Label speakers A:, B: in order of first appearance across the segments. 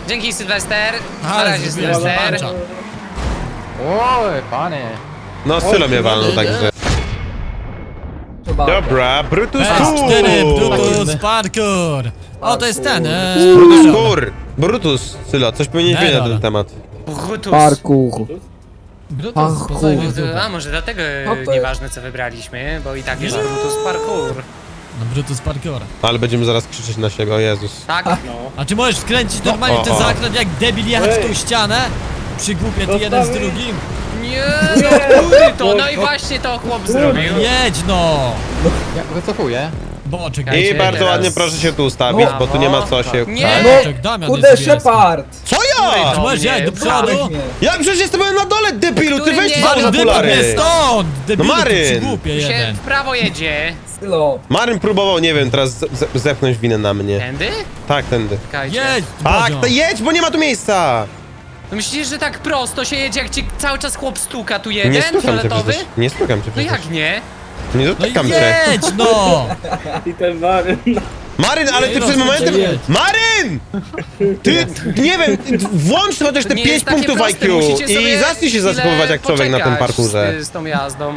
A: Dzięki, Sylwester. Na
B: Ale
A: razie,
B: zrobiłem
A: Sylwester.
B: pancza.
C: Oj, panie.
D: No, Sylo mnie walnął, także...
E: Chyba.
D: Dobra, Brutus
B: PS4,
D: Kur!
B: Brutus, parkour. O, to jest ten,
D: Brutus Kur! Brutus, Sylo, coś powinieneś wiedzieć na
B: Dobra.
D: ten temat.
A: Brutus.
E: Parkour.
B: Brutus,
E: Parkour.
B: poznaj mnie w dupę.
A: A może dlatego
E: No to jest-
A: nieważne co wybraliśmy, bo i tak jest Brutus Parkour.
B: No, Brutus, parkour.
D: Ale będziemy zaraz krzyczeć na siebie, o Jezus.
A: Tak?
B: A czy możesz wkręcić normalnie ten zakręt jak debil jechać w tą ścianę? Przygłupie ty jeden z drugim?
A: Nie, no który to? No i właśnie to chłop zrobił.
B: Jedź no!
C: Ja wycofuję.
B: Boczek.
D: I
A: Czekajcie,
D: bardzo
A: teraz.
D: ładnie proszę się tu ustawić,
A: No.
D: bo tu nie ma co się...
A: Nie!
B: Boczek, Damian
E: Kurde,
B: jest niebieski.
E: Shepard!
D: Co ja?
B: Czy możesz jechać do przodu?
E: Weź mnie.
D: Ja przecież jestem na dole, debilu, ty
A: Który
D: weź
A: nie-
D: za
B: Maryn, wypadł mnie
D: okulary!
B: stąd! Debilu,
D: No, Maryn.
B: ty przygłupie
A: Tu się
B: jeden.
A: w prawo jedzie.
E: Sylo.
D: Maryn próbował, nie wiem, teraz zepchnąć winę na mnie.
A: Tędy?
D: Tak, tędy.
A: Czekajcie.
B: Jedź!
D: Tak,
B: Bodzio.
D: to jedź, bo nie ma tu miejsca!
A: No myślisz, że tak prosto się jedzie, jak ci cały czas chłop stuka tu
D: Nie
A: jeden,
D: stukam cię
A: fioletowy?
D: przecież. Nie stukam cię
A: No
D: przecież.
A: jak nie?
D: Nie
B: No
D: dotykam cię.
B: jedź no!
F: I ten Maryn.
D: Maryn, ale ty
B: Nie
D: przed
B: rozumiem,
D: momentem...
B: jedź.
D: Maryn! Ty, nie wiem, włącz chociaż te
A: Nie
D: 5
A: jest takie
D: punktów
A: proste,
D: IQ
A: musicie
D: i
A: sobie
D: zacznij się
A: chwilę
D: zachowywać jak człowiek na tym
A: poczekać
D: parkurze.
A: z tą jazdą.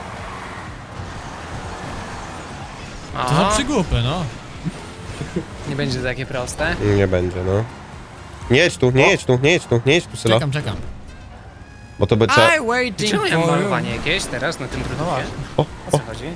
B: To za
A: Aha,
B: przygłupy, no.
A: nie będzie to takie proste.
D: Nie będzie, no. Nie jedź tu, nie jedź tu, nie jedź tu, nie jedź tu, Sylo.
B: Czekam.
D: Bo to by trzeba...
B: I waiting
A: Czemu ja mam
B: for you.
A: malowanie jakieś teraz na tym produkcie?
D: O,
A: O co chodzi?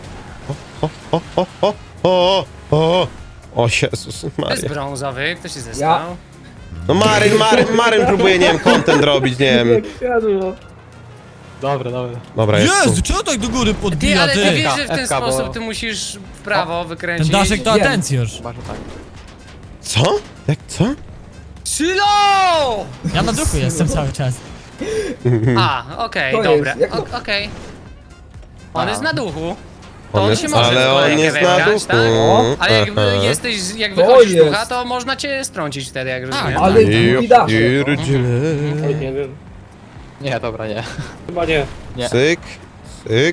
D: o, Jezus
A: To jest
D: Maria.
A: brązowy, kto się zestał?
D: No Maryn próbuje, nie wiem, content robić, nie wiem.
F: Siadło.
C: Dobra.
D: Dobra, jest tu.
B: Jezu, czego tak do góry
A: Ty,
B: podbija,
A: ale ty
B: ty?
A: wiesz, że w ten
C: FK, bo-
A: sposób ty musisz w prawo
B: Ten
A: wykręcić.
B: daszek to
E: Wiem.
B: atencjusz.
C: Chyba, że tak.
D: Co? Jak, co?
A: Sylo!
B: Ja na duchu jestem cały czas.
A: A, okej,
E: To
A: dobra.
E: jest, jak to-
A: Okej. On
C: A.
A: jest na duchu. To
D: On
A: on
D: jest,
A: się może w
D: ale on
A: kolejkę
D: jest na
A: wybrać,
D: duchu.
A: tak? Ale jak
D: Aha.
A: jesteś, jak
E: To
A: wychodzisz z
E: jest.
A: ducha, to można cię strącić wtedy, jak rozumiem.
E: Ale
D: Ja
E: drugi daszek.
D: pierdzielę.
F: Oj, nie wiem.
C: Nie, dobra, nie.
F: Chyba nie.
C: Nie.
D: Syk, syk.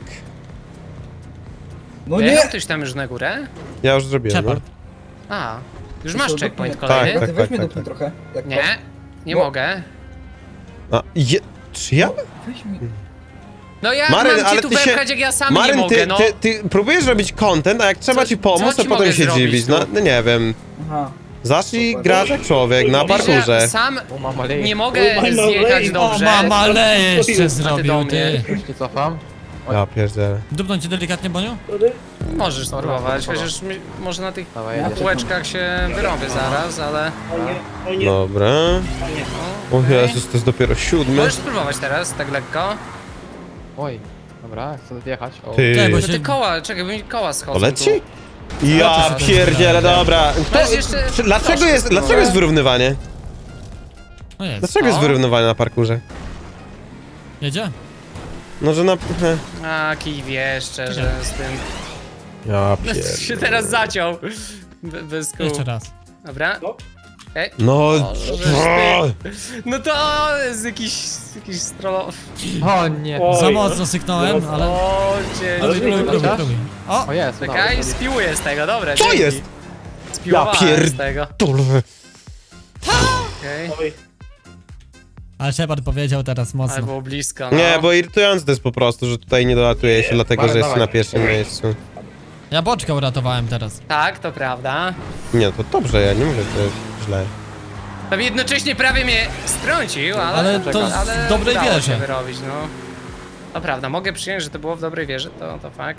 E: No
A: Jechał
E: nie!
A: ktoś tam już na górę?
D: Ja już zrobiłem, no.
B: Shepard.
A: A, już masz
E: Sylo,
A: checkpoint
E: dupnij.
A: kolejny?
D: Tak,
E: Ty weź mnie
D: tak,
E: dupnij
D: tak.
E: trochę. Jak
A: Nie, nie
E: No.
A: mogę.
D: A, czy ja?
E: Weź mi.
A: No ja
D: Maryn,
A: mam
D: ale
A: cię tu
D: ty się-
A: wepchać, jak ja sam nie
D: Maryn,
A: mogę, no.
D: ty próbujesz robić content, a jak trzeba
A: Co-
D: ci pomóc,
A: co
D: to
A: ci
D: potem
A: mogę
D: się
A: zrobić
D: dziwić.
A: tu?
D: No nie wiem.
E: Aha.
D: Zacznij
E: Super.
D: grać jak człowiek na
A: Wiesz, że ja
D: parkurze.
A: sam
C: O, mama leje.
A: nie mogę
F: Oj, mama
A: zjechać
F: leje.
B: O,
A: dobrze.
B: mama le jeszcze
A: do
B: zrobił,
A: mnie.
B: ty.
C: Już nie cofam.
D: Ja pierdzielę.
B: Dupnąć cię delikatnie, Boniu?
F: Sorry.
A: Możesz spróbować,
C: Dobra.
A: chociaż może na tych
C: Dawaj, jedziesz.
A: półeczkach się wyrobię zaraz, ale...
F: O nie, o nie,
D: Dobra.
F: o nie.
D: O
A: Okej.
D: Jezus, to jest dopiero 7.
A: Możesz spróbować teraz, tak lekko.
C: Oj. Dobra, chcę wjechać. O.
D: Ty.
B: Czekaj, bo
A: No te
B: się...
A: koła, czekaj, bo mi koła schodzą
D: To leci?
A: tu.
D: Ja
B: to się
D: pierdzielę,
B: wydaje?
D: dobra.
A: Masz jeszcze
D: Dlaczego
A: troszkę
D: jest, dlaczego jest wyrównywanie?
B: No jest.
D: Dlaczego jest
A: O.
D: wyrównywanie na parkurze?
B: Jedzie?
D: No, że na...
A: A, kij wie, szczerze, z tym...
D: Ja
A: się
D: pier...
A: teraz zaciął. Bez kół.
B: Jeszcze raz.
A: Dobra.
F: No.
A: Okej.
D: No...
A: No to jest jakiś strolo...
C: O nie.
F: O.
B: Za
F: Oj,
B: mocno syknąłem,
F: no.
B: ale...
A: O, cię...
B: Próbuj, próbuj. O!
C: O jest,
A: Czekaj,
C: dobra.
A: spiłuję z tego, dobra.
D: Co
A: dzięki.
D: jest?
A: Spiłowałem z tego.
D: Dole.
A: Okej.
F: Oj,
B: Ale Shepard powiedział teraz
A: Ale
B: mocno.
A: było blisko, no.
D: Nie, bo irytujące to jest po prostu, że tutaj nie dolatuje się, dlatego że
C: Dawaj,
D: jest na
C: dawaj.
D: pierwszym miejscu.
B: Ja boczka uratowałem teraz.
A: Tak, to prawda.
D: Nie, to dobrze, ja nie mówię, że to jest źle.
A: Tam jednocześnie prawie mnie strącił, ale...
B: Ale to w dobrej
A: udało się
B: wierze.
A: wyrobić, no. To prawda, mogę przyjąć, że to było w dobrej wierze, to fakt.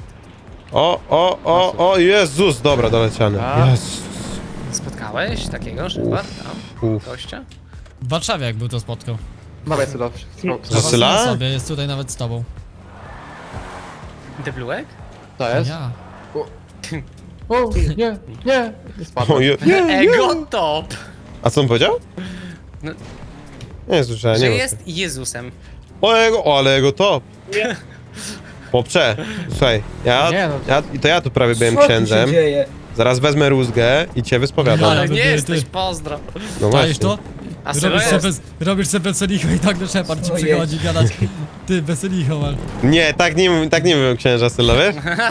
D: O, Jezus, dobra, doleciany.
C: A.
D: Jezus.
A: Spotkałeś takiego Szepard tam?
D: Uf.
A: Gościa?
B: W Warszawie jak był to spotkał.
C: Dawaj, Sylo.
D: Że Syla?
B: Zobaczmy sobie, jest tutaj nawet z tobą.
A: Deblułek?
C: To jest?
B: Ja.
C: O, nie. Nie spadłem.
D: O,
A: Ego top!
D: A co on powiedział?
A: No.
D: Nie słyszałem,
A: Że
D: nie
A: jest Jezusem.
D: ale jego top.
F: nie.
D: Chłopcze, słuchaj,
C: Nie, no.
D: to ja tu prawie byłem
E: Co tu się
D: księdzem.
E: dzieje?
D: Zaraz wezmę rózgę i cię wyspowiadam.
A: Ale
B: by
A: nie
B: były,
A: jesteś,
B: ty.
A: pozdro.
D: No
B: Czaisz
D: właśnie.
B: to?
A: A Sylo jest.
B: Robisz sobie weselicho i tak do Shepard ci
E: Ojej.
B: przychodzi gadać. Ty, weselicho masz.
D: Nie, tak nie mówią księża Sylo, wiesz?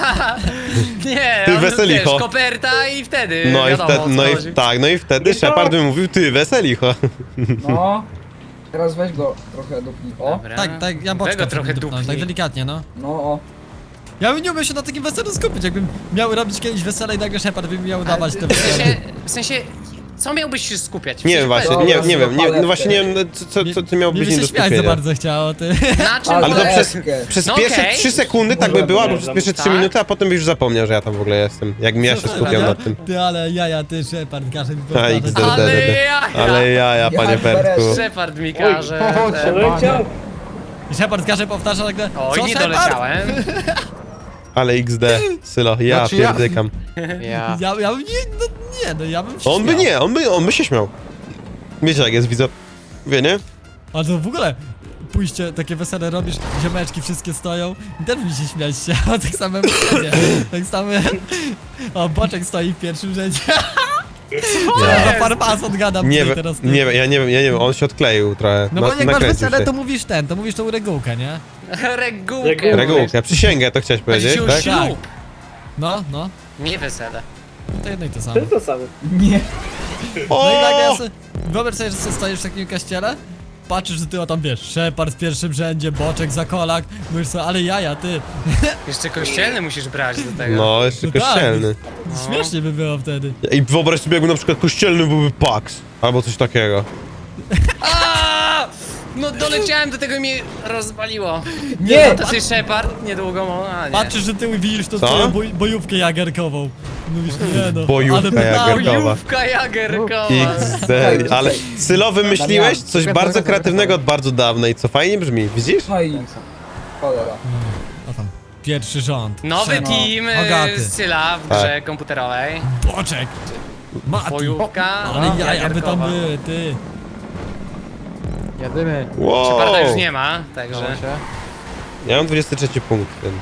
A: Nie,
D: Ty
A: on,
D: weselicho.
A: wiesz, koperta i wtedy
D: No i
A: wiadomo,
D: wtedy,
A: o co chodzi.
D: no i wtedy Shepard by mówił, ty weselicho.
E: No. Teraz weź go trochę dupnij. O,
A: Dobra.
B: Tak, ja boczka
A: Tego trochę
B: dupnąłem,
A: dupnij.
B: tak delikatnie, no.
E: no o.
B: Ja bym nie umiał się na takim weselu skupić, jakbym miał robić kiedyś wesele i nagle Shepard by mi miał dawać te wesele.
A: W sensie, co miałbyś się skupiać?
D: Nie wiem właśnie,
E: Dobra,
D: nie wiem,
E: palewkę.
D: no właśnie nie wiem, co ty miał
B: Nie
D: być
B: by
D: nie do
B: się śmiać za
D: skupienia.
B: bardzo chciało, ty.
A: Na czym
E: Ale
D: Ale to
A: polega-
D: przez
A: No
D: pierwsze
A: okej.
D: 3 sekundy tak by było, albo przez pierwsze 3
A: Tak.
D: minuty, a potem byś już zapomniał, że ja tam w ogóle jestem. Jak ja się skupiał nad tym.
B: Ty, ale jaja, ty, Shepard, każe mi
D: A, XD.
B: powtarzać.
A: Ale
D: DDD.
A: jaja!
D: Ale ja, panie
E: Ja
D: Fertku.
A: Shepard mi każe.
C: Oj,
A: te-
F: Doleciał.
B: I Shepard każe powtarza nagle.
A: Oj,
B: Co,
A: nie
B: Shepard?
A: doleciałem.
D: Ale XD, Sylo, ja
C: Znaczy ja-
D: pierdykam.
C: Ja.
B: Ja bym ja bym się
D: On by
B: śmiał.
D: nie, on by się śmiał. Wiecie jak jest, widzę. Wie, nie?
B: A to w ogóle pójście, takie wesele robisz, ziomeczki wszystkie stoją i też mi się śmiać się, a tak samo wesele. Tak samo. O, Boczek stoi w pierwszym rzędzie. Ja za farmason gadam
D: Nie
B: tutaj
D: wiem,
B: teraz.
D: nie wiem, ja nie wiem, on się odkleił trochę.
B: No bo jak masz
D: nakręcił
B: wesele,
D: się.
B: to mówisz tą regułkę, nie?
A: Regułkę.
D: Regułkę, przysięgę to chciałeś
A: Będzie
D: powiedzieć,
A: już
D: tak?
A: ślub.
B: No.
A: Nie wesele.
B: To jedno i to samo.
F: To jest to samo.
E: Nie.
B: No i nagle
D: O!
B: wyobraź sobie, że sobie stoisz w takim kościele, patrzysz, że ty o tam wiesz, Shepard w pierwszym rzędzie, Boczek za kolak, mówisz sobie, ale jaja, ty.
A: Jeszcze kościelny musisz brać do tego.
D: No, jeszcze
B: No tak.
D: kościelny.
B: Śmiesznie by było wtedy.
D: I wyobraź sobie, jakby na przykład kościelny byłby Pax. Albo coś takiego.
A: A! No doleciałem do tego i mnie rozwaliło.
E: Nie!
A: No to jest Shepard, niedługo, a nie.
B: Patrzysz, że ty widzisz tą
D: Co?
B: twoją bojówkę jagerkową. Mówisz, nie no,
D: Bojówka
B: ale
D: jagerkowa.
B: pedał.
A: Bojówka jagerkowa.
D: XD. Ale Sylo, wymyśliłeś coś bardzo kreatywnego od bardzo dawna i co fajnie brzmi, widzisz?
E: No i cholera.
B: O tam, pierwszy rząd.
A: Nowy
B: Shepard,
A: team
B: Hogaty,
A: Syla w grze komputerowej.
B: Boczek, Mati.
A: Bojówka.
B: Ale jaja by tam
A: jagerkowa.
B: były, ty.
C: Jadymy.
A: Sheparda już
D: Wow.
A: nie ma, także...
C: Że...
D: Ja mam 23 punkt, więc...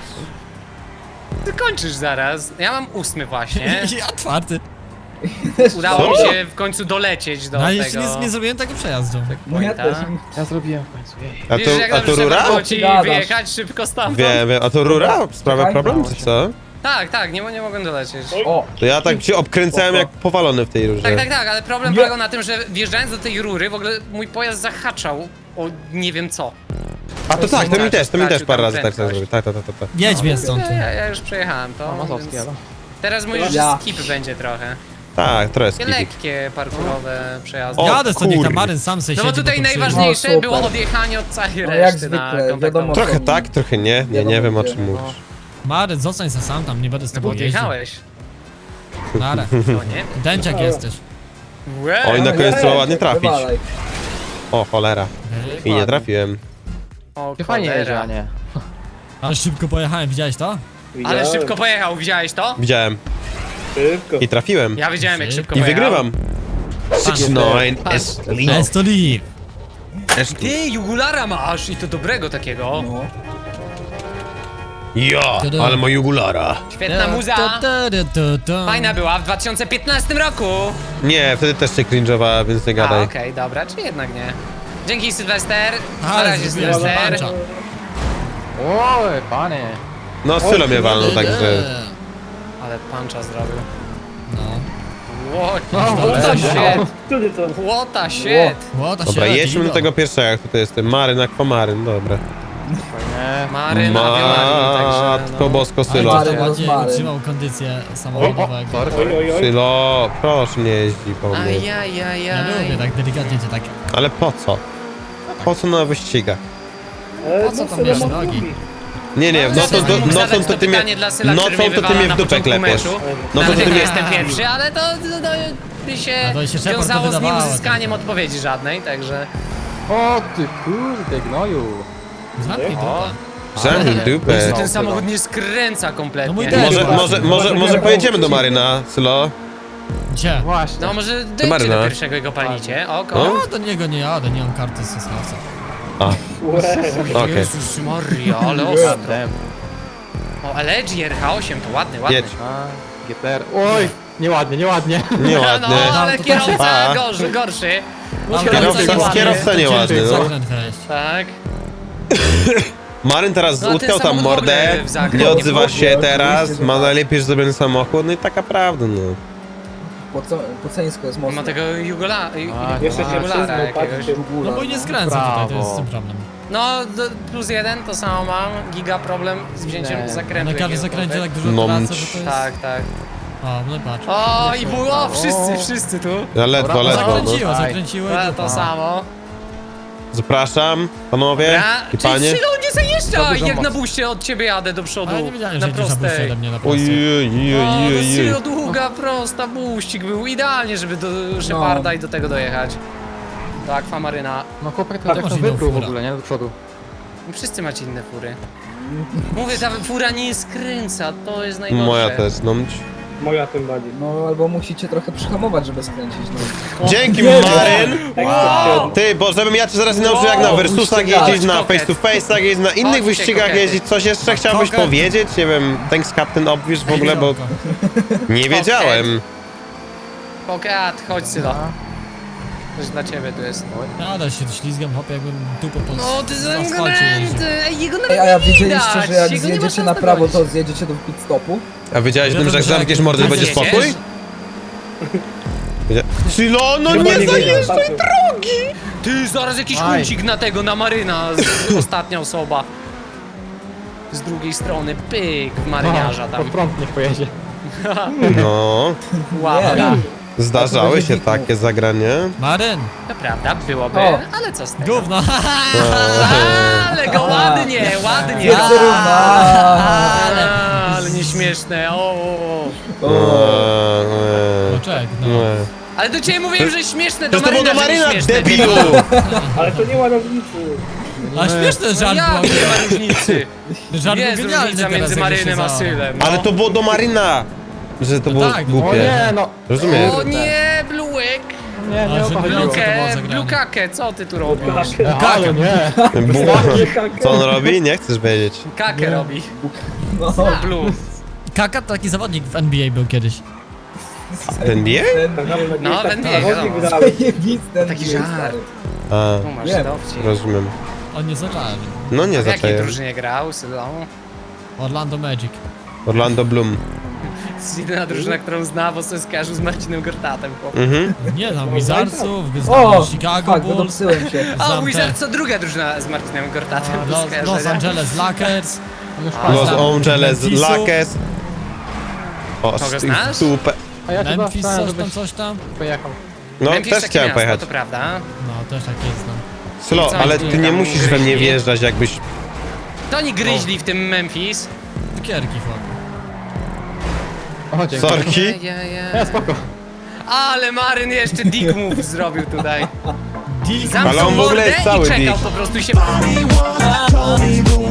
A: Ty kończysz zaraz. Ja mam 8 właśnie.
B: Ja czwarty.
A: Udało mi
D: Co?
A: się w końcu dolecieć do
B: No ale
A: tego
B: jeszcze nie zrobiłem tego przejazdu.
E: No ja
A: pointa.
E: też.
C: Ja zrobiłem w końcu, jej.
D: A
A: Wiesz, jak
D: to
A: dobrze
D: rura?
A: było ci
E: Gadasz.
A: wyjechać szybko stamtąd?
D: Wiem, a to rura? Sprawia
E: Czekaj,
D: problem,
E: no.
D: czy co?
A: Tak, nie mogłem dolecieć.
E: O,
D: To ja tak się obkręcałem jak powalony w tej rurze.
A: Tak, ale problem
E: Nie.
A: polegał na tym, że wjeżdżając do tej rury, w ogóle mój pojazd zahaczał o nie wiem co.
D: A to tak, to mi też
A: Stracił
D: parę
A: tam
D: razy tak
A: prędkość.
D: zrobił. Tak.
B: Jedź mnie stąd.
A: Ja już przejechałem to,
C: A Mazowskie,
A: więc
C: ale...
A: teraz mówisz, że
E: Ja.
A: skip będzie trochę.
D: Tak, trochę
A: Takie
D: skipik.
A: lekkie parkurowe przejazdy.
D: O,
B: Jadę stąd, niech
D: kur-
B: tam Maryn sam sobie
A: No bo
B: siedzi,
A: tutaj
B: to przyjedzie.
A: najważniejsze
E: No, super.
A: było odjechanie od całej
E: No,
A: reszty
E: jak
A: na
E: zwykle,
A: kontaktową.
E: wiadomo.
D: Trochę tak, trochę nie. Nie wiem o czym
E: No.
D: mówisz.
B: Maryn, zostań se sam tam, nie będę z
A: Bo
B: tobą jeździł.
A: odjechałeś.
B: Nara.
A: No nie?
B: Dęciak jesteś.
A: Łe.
D: Oj, na koniec trzeba ładnie trafić.
E: Wywalaj.
D: O, cholera. I nie trafiłem.
A: O,
C: Ty fajnie
A: cholera.
C: jedzie, a nie.
B: Ale szybko pojechałem, widziałeś to?
A: Ale
F: Widziałem.
A: szybko pojechał, widziałeś to?
D: Widziałem.
F: Szybko.
D: I trafiłem.
A: Ja widziałem jak szybko
D: I
A: pojechał.
D: wygrywam. 6-9
B: Let's to leave.
A: Ty, jugulara masz i to dobrego takiego.
E: No.
D: Ja, ale ma jugulara.
A: Świetna muza. Fajna była w 2015 roku.
D: Nie, wtedy też się cringe'owała, więc nie
A: A,
D: gadaj.
A: okej, dobra, czy jednak nie. Dzięki Sylwester. Na
B: Ale
A: razie
B: zrobiłem
A: Sylwester.
B: pancza.
C: Oj, panie.
D: No, Sylo mnie walnął, także...
A: Ale puncha zrobił.
B: No.
A: What
C: No,
A: the
C: będzie.
A: shit.
F: Który to?
A: What the shit.
B: Łota
D: Dobra,
B: się
D: jedźmy do
B: Ido.
D: tego pierwszego, jak tutaj jestem. Maryn, akwamaryn, dobra.
C: Fajnie.
A: Maryn, Maryn, także
D: Matko
A: no.
D: bosko,
B: Ale
D: Sylo.
E: Maryn.
B: bardziej
E: Maryn.
B: utrzymał kondycję samochodowego.
C: Sorry,
F: Oj,
C: sorry.
F: oj, oj.
D: Sylo, proszę nie jeździ po mnie.
B: Ja lubię
A: Ajajajaj.
B: tak delikatnie cię tak.
D: Ale po co? Po co na wyścigach?
F: E,
B: Po co
F: no,
B: tam
F: sobie
B: bierz
F: mam
B: nogi?
F: lubi.
D: Nie,
A: No, mógł zadać
D: nocą to
A: to
D: ty mnie...
A: pytanie dla Syla, który
D: Nocą
A: mnie
D: to ty
A: wywala
D: mnie
A: na
D: w dupę
A: początku
D: klepiesz.
A: meczu.
D: No to ty
A: Dlatego
D: mnie...
A: jestem pierwszy, ale to by się
B: A to się Shepard
A: wiązało z
B: wydawało,
A: nieuzyskaniem
B: tak.
A: odpowiedzi żadnej, także...
C: O ty kurde, gnoju.
B: Zamknij dupę.
D: Zamknij dupę.
A: Jezu,
C: No,
A: ten
C: no.
A: samochód nie skręca
B: No
A: kompletnie.
B: mój też.
D: Może pojedziemy do Maryna, Sylo?
B: Gdzie?
C: Właśnie.
A: No może dojdźcie
D: Maryna.
A: do pierwszego i go palicie. O,
D: No.
B: No do niego nie jadę, nie mam karty z Sosnowca.
D: A,
F: Łe.
D: okej.
A: Jezus Maria, ale ostro.
C: Damn.
A: O, ale GRH8 to ładny, ładny.
D: Jedź.
C: A, GTR. Oj, Nieładnie, nieładnie.
D: Nieładnie.
A: No, ale
B: to
A: kierowca
D: A.
A: gorszy.
D: Kierowca nieładny, no.
B: Zakręt weź.
A: Tak.
D: Maryn teraz
A: No, a ten
D: utkał tam
A: samochód w
D: mordę,
A: ogóle w zakręt
D: nie
A: nie
D: odzywa
E: wchodzi,
D: się
E: oczywiście,
D: teraz,
E: że
D: ma
E: tak.
D: najlepiej zrobiony samochód, no i taka prawda, no.
E: Poceńsko jest
A: Ma
E: mocno.
A: tego
F: Jeszcze się
A: jugulara
F: przyznał,
A: jakiegoś.
F: patrzcie.
B: No bo nie skręca tutaj, to jest ten problem.
A: No, +1 to samo mam. Giga problem z wzięciem
C: Nie.
A: zakrętu.
B: Na każdym
A: jakiegokolwiek.
B: zakręcie tak dużo
D: No,
B: tracę, że to jest...
A: Tak, tak.
B: O, no i patrz.
A: O, i było, wszyscy tu.
D: Ja ledwo,
C: Dobra,
D: ledwo, no.
B: Zakręciło, zakręciło i
A: To
B: dupa.
A: samo.
D: Zapraszam, panowie
A: Dobra,
D: i
A: czyli
D: panie.
A: Sylo nie zajeżdża,
C: dużo
A: jak na
C: mocy.
A: buście od ciebie jadę do przodu.
B: Ale nie wiedziałem,
A: na
B: że jedziesz na buście
A: prostej.
B: ode mnie na
D: Oj,
B: prostej.
A: O, no
D: oj.
A: Sylo długa, prosta, buścik był idealnie, żeby do Sheparda i do tego dojechać. Do Aquamaryna.
C: No chłopak to
B: Tak,
C: jak
B: masz
C: to
B: inną
C: wypluł w
B: furę.
C: ogóle, nie? Do przodu.
A: Wszyscy macie inne fury. Mówię, ta fura nie skręca, to jest najgorsze.
D: Moja też, no.
F: Moja tym bardziej.
E: No albo musicie trochę przyhamować, żeby skręcić. No.
D: Dzięki, Maryn!
F: Wow.
D: Ty, bo żebym ja cię zaraz nie nauczył jak na Versusach jeździć, na face to face'ach jeździć, na innych
A: Chodźcie,
D: wyścigach
A: kokety.
D: jeździć, coś jeszcze chciałbyś
B: Koket.
D: powiedzieć? Nie wiem, thanks Captain Obvious w ogóle, bo nie wiedziałem.
A: Pokat, chodź Sylo. Coś dla ciebie tu jest.
B: Ale się ślizgam, hop, jakbym dupą po
A: No ty
B: na asfalcie jeździł.
A: Ej, jego nawet
E: Ej, a ja
A: nie
E: wiedzieliście,
A: widać,
E: że jak
A: jego nie ma
E: zjedziecie
A: szans
E: na prawo,
A: dogonić.
E: to zjedziecie do pit stopu?
D: A wiedziałeś o tym, że jak
B: Że
D: zamkniesz
B: jak
D: mordę, to będzie
A: zjedziesz?
D: spokój? Sylo, no
F: Chyba
D: nie zajeżdżaj!
F: zajeżdżaj.
A: Ty, zaraz jakiś
C: Aj.
A: kucik na tego, na Maryna, ostatnia osoba. Z drugiej strony, pyk, w marynarza
C: Pod
A: tam.
C: prąd niech pojedzie.
D: No,
A: Wow,
E: Nie.
D: zdarzały się takie zagranie.
B: Maryn,
A: to prawda, byłoby,
E: O.
A: ale co z tego?
B: gówno.
A: Ale go ładnie, ładnie.
E: Jest równa.
A: Ale nieśmieszne, o.
B: Poczek, no.
A: Ale do ciebie mówiłem, że śmieszne, do
D: To było do
A: Maryna, że
D: Maryna,
A: nieśmieszne.
D: debilu!
F: Ale to nie ma różnicy.
B: A śmieszny żart
A: Jak
B: był.
A: nie ma różnicy?
B: Żart był
A: Jest
B: genialny
A: różnica
B: teraz,
A: między
B: jak się
A: Marynem a
B: za-
A: Sylem. No.
D: Ale to było do Maryna! Że to
B: No
D: było
B: tak,
C: O
D: głupie.
C: nie, no.
D: Rozumiesz?
A: O nie, Bluek!
C: Nie,
B: A,
C: nie o
B: że
C: to chodziło.
B: było
A: Blukę,
B: zagranie.
A: Blukakę, co ty tu robisz?
C: Ale nie.
D: Co on robi? Nie chcesz wiedzieć.
A: Kakę robi.
E: No,
A: Blue.
B: Kaka to taki zawodnik w NBA był kiedyś.
D: Ten nie?
A: No, ten nie,
F: Zawodnik
A: wiadomo.
F: wydał.
E: zajebiste.
A: Taki
E: jest,
A: żart.
E: stary.
D: A,
A: Tu masz
E: Nie.
A: dowcip.
D: rozumiem.
B: On nie zaczęli.
D: No nie
A: W jakiej
D: zaczęłem.
A: drużynie grał, Sylą?
B: Orlando Magic.
D: Orlando Bloom.
A: To jest jedyna drużyna, którą zna, bo sobie skojarzył z Marcinem Gortatem, chłop.
D: Mhm.
B: Nie znam Wizardsów,
E: O,
B: znam Chicago
E: fuck,
B: Bulls,
E: wydopsyłem się.
A: A,
B: znam
A: Wizard
B: te-
A: co druga drużyna z Martinem Gortatem do
B: Los
A: skojarzenia.
B: Angeles Lakers.
D: Los
B: znam
D: Angeles
B: Memphisu,
D: Lakers. O,
A: Kogo znasz?
D: stupę.
C: A ja cię
B: Memphis,
C: chciałem,
B: coś tam,
C: żebyś
B: coś tam.
C: pojechał.
D: No,
A: Memphis
D: też
A: takie
D: chciałem
A: miasto,
D: pojechać.
A: to prawda.
B: No, też tak jest, no.
D: Sylo,
A: Co,
D: ale
A: nie
D: ty nie
A: tam
D: musisz we mnie
A: gryźli?
D: wjeżdżać, jakbyś...
A: To oni gryźli w tym Memphis.
B: Cukierki, chłop.
C: O, dzięki.
D: Sorki.
C: Nie, spoko.
A: Ale Maryn jeszcze dick move zrobił tutaj.
B: Dick.
D: Ale
A: Zamknął
D: on w ogóle
A: mordę
D: jest cały
A: i czekał
D: dick.
A: po prostu i się...
G: Told me